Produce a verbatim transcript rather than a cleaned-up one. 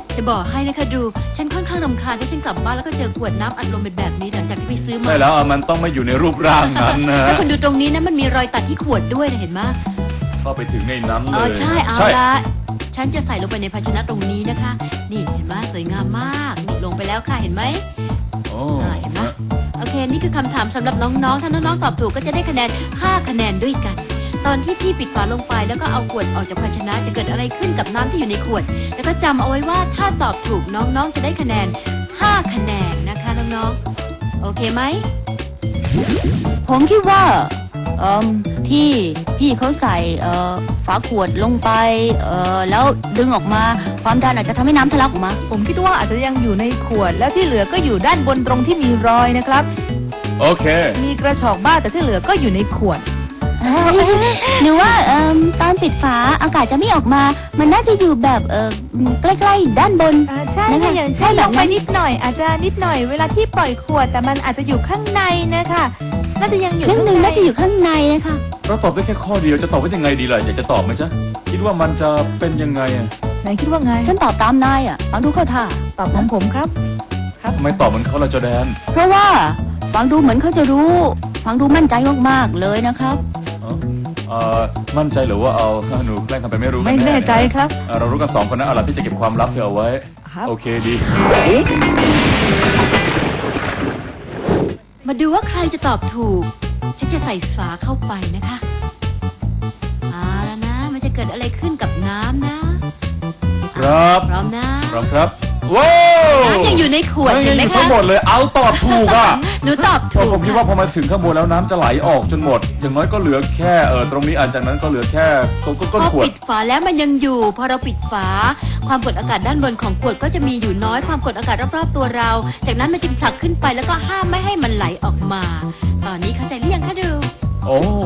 จะบอกให้นะคะดูฉันค่อนข้างรำคาญที่ฉันกลับบ้านแล้วก็เจอขวดน้ำอัดลมเป็นแบบนี้หลังจากที่ไปซื้อมาใช่แล้วมันต้องไม่อยู่ในรูปร่างนั้นนะแล้วคุณดูตรงนี้นะมันมีรอยตัดที่ขวดด้วยนะเห็นไหมเข้าไปถึงในนั้นเอเลอย ใช่เอาละฉันจะใส่ลงไปในภาชนะตรงนี้นะคะ นี่เห็นไหมสวยงามมากนี่ลงไปแล้วค่ะเห็นไหมโอ้อ่าเห็นไหมโอเคนี่คือคำถามสำหรับน้องๆถ้าน้องๆตอบถูกก็จะได้คะแนนห้าคะแนนด้วยกัน ตอนที่พี่ปิดฝาลงไปแล้วก็เอาขวดออกจากภาชนะจะเกิดอะไรขึ้นกับน้ำที่อยู่ในขวด แล้วก็จำเอาไว้ว่าถ้าตอบถูกน้องๆจะได้คะแนนห้าคะแนนนะคะน้องๆโอเคไหมผมคิดว่าเอ่อที่พี่เขาใส่เอ่อฝาขวดลงไปเอ่อแล้วดึงออกมาความดันอาจจะทำให้น้ำทะลักออกมาผมคิดว่าอาจจะยังอยู่ในขวดแล้วที่เหลือก็อยู่ด้านบนตรงที่มีรอยนะครับโอเคมีกระชอกบ้างแต่ที่เหลือก็อยู่ในขวดหนูว่าเอ่อตอนปิดฝาอากาศจะไม่ออกมา มันน่าจะอยู่แบบเอ่อใกล้ๆด้านบนอ่าใช่นะคะค่ะอย่างเช่นใช่แบบลงไปนั้นนิดหน่อย อาจจะนิดหน่อยเวลาที่ปล่อยขวดแต่มันอาจจะอยู่ข้างในนะคะน่าจะยังอยู่ครึ่งข้างหนึ่งในน่าจะอยู่ข้างในนะคะเราตอบได้แค่ข้อเดียวจะตอบว่ายังไงดีล่ะอยากจะตอบไหมจ๊ะคิดว่ามันจะเป็นยังไงอะไหนคิดว่าไงฉันตอบตามนายอ่ะฟังดูเข้าท่าตอบของผมครับ ครับทำไมตอบเหมือนเขาล่ะจอแดนเพราะว่าฟังดูเหมือนเขาจะรู้ ฟังดูมั่นใจมากๆเลยนะครับเอ้าเอ่อมั่นใจหรือว่าเอาหนูแกล้งทำไปไม่รู้กัไม่น่แน่ใจครับเอ่อเรารู้กันสองคนนะเอาล่ะที่จะเก็บความลับเธอเอาไว้ครับโอเคดีมาดูว่าใครจะตอบถูก ฉันจะใส่ฝาเข้าไปนะคะเอาแล้วนะ มันจะเกิดอะไรขึ้นกับน้ำนะครับ พร้อมนะพร้อมครับว้าวน้ำยังอยู่ในขวดฮ้ยเห็นไหมอยู่คะทั้งหมดเลยเอาตอบถูกอ่ะหนูตอบพอถูกผมคิดว่าพอมาถึงข้างบนแล้วน้ำจะไหลออกจนหมด อย่างน้อยก็เหลือแค่เออตรงนี้อันจากนั้นก็เหลือแค่ก้นพก้นอขวดปิดฝาแล้วมันยังอยู่ พอเราปิดฝา ความกดอากาศด้านบนของขวดก็จะมีอยู่น้อย ความกดอากาศรอบๆตัวเรา จากนั้นมันจึงผลักขึ้นไปแล้วก็ห้ามไม่ให้มันไหลออกมา ตอนนี้เข้าใจหรือยังคะดูโอ้